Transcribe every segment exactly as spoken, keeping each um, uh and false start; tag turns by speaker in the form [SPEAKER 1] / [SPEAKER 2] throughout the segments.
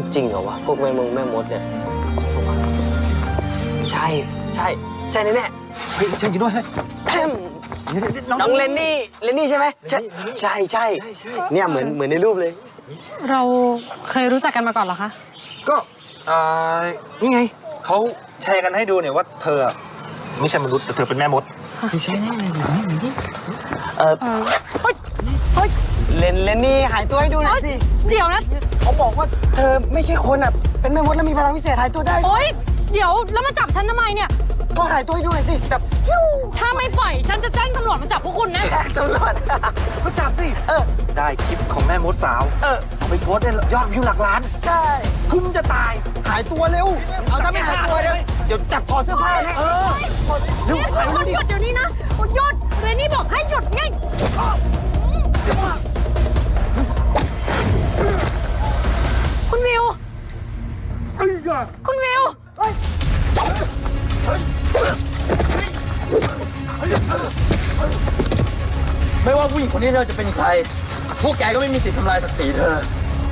[SPEAKER 1] จริงเหรอวะพวกแม่มงแม่มดเนี่ยใช่ใช่ใช่แน่แน่เฮ้ยฉันกินด้วยน้องเลนนี่เลนนี่ใช่ไหมใช่ใช่ใช่เนี่ยเหมือนเหมือนในรูปเลย
[SPEAKER 2] เราเคยรู้จักกันมาก่อนเหรอคะ
[SPEAKER 3] ก็อ่านี่ไงเขาแชร์กันให้ดูเนี่ยว่าเธอไม่ใช่มนุษย์แต่เธอเป็นแม่มดไม่ใช่แน่เลยนี่
[SPEAKER 1] เออเฮ้ยเฮ้ยเลนเลนนี่หายตัวให้ดูหน่อยสิ
[SPEAKER 2] เดี๋ยวนะ
[SPEAKER 1] เขาบอกว่าเธอไม่ใช่คนอ่ะเป็นแม่มดแล้วมีพลังพิเศษหายตัวได้
[SPEAKER 2] โอ๊ยเดี๋ยวแล้วมาจับฉันทำไมเนี่ย
[SPEAKER 1] ก็หายตัวให้ดูหน่อยสิแบบ
[SPEAKER 2] ถ้าไม่ปล่อยฉันจะแจ้งตำรวจมาจับพวกคุณนะ
[SPEAKER 1] ตำรวจ
[SPEAKER 3] ก็จับสิเออได้คลิปของแม่มดสาวเออเอาไปโพสต์ได้ยอดวิวหลักล้าน
[SPEAKER 1] ใช่
[SPEAKER 3] คุ้มจะตาย
[SPEAKER 1] หายตัวเร็วเอาถ้าไม่หายตัวเดี๋ยวเดี๋ยวจับถอดเสื้อผ้านะเออ
[SPEAKER 2] หยุดหยุดเดี๋ยวนี้นะหยุดเรนนี่บอกให้หยุดไงคุณวิวคุณวิว
[SPEAKER 4] ไม่ว่าผู้หญิงคนนี้เธอจะเป็นใครพวกแกก็ไม่มีสิทธิ์ทำลายศักดิ์ศรีเธอ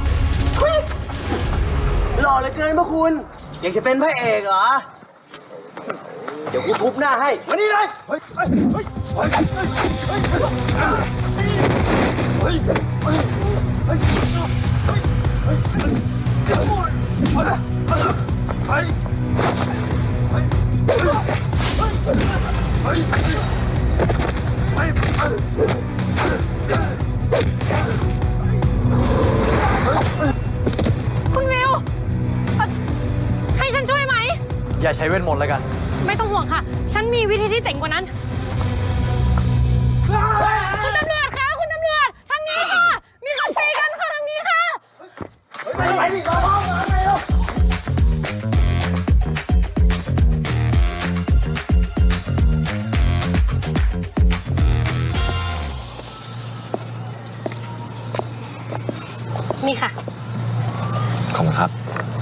[SPEAKER 1] หล่อเหลือเกินพระคุณอยากจะเป็นพระเอกเหรอเดี๋ยวกูทุบหน้าให้มานี่เลยเฮ้ยเฮ้ยเฮ้ยเฮ้ยเฮ้ยเฮ้ยเฮ้ยเฮ้ยเฮ้ยเฮ้ย
[SPEAKER 2] คุณวิวให้ฉันช่วยไหม
[SPEAKER 4] อย่าใช้เวทมนต์แล้วกัน
[SPEAKER 2] ไม่ต้องห่วงค่ะฉันมีวิธีที่เจ๋งกว่านั้นคุณตำรวจคะคุณตำรวจทางนี้ค่ะมีคนตีกันค่ะทางนี้ค่ะ
[SPEAKER 1] ไปไปดิรอพ่อมาไปเร็ว
[SPEAKER 2] นี่ค่ะ
[SPEAKER 4] ขอบคุณครับ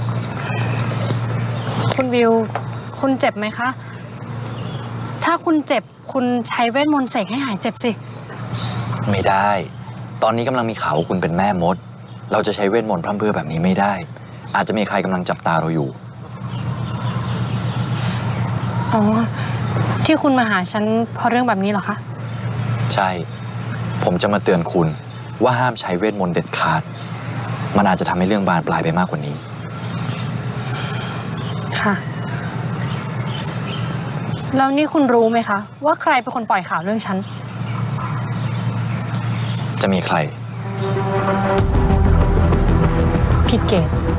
[SPEAKER 2] คุณวิวคุณเจ็บไหมคะถ้าคุณเจ็บคุณใช้เวทมนต์เสกให้หายเจ็บสิ
[SPEAKER 4] ไม่ได้ตอนนี้กำลังมีข่าวว่าคุณเป็นแม่มดเราจะใช้เวทมนต์พร่ำเพรื่อแบบนี้ไม่ได้อาจจะมีใครกำลังจับตาเราอยู่
[SPEAKER 2] อ๋อที่คุณมาหาฉันเพราะเรื่องแบบนี้เหรอคะ
[SPEAKER 4] ใช่ผมจะมาเตือนคุณว่าห้ามใช้เวทมนต์เด็ดขาดมันอาจจะทำให้เรื่องบานปลายไปมากกว่านี้
[SPEAKER 2] ค่ะแล้วนี่คุณรู้ไหมคะว่าใครเป็นคนปล่อยข่าวเรื่องฉัน
[SPEAKER 4] จะมีใคร
[SPEAKER 2] พี่เกด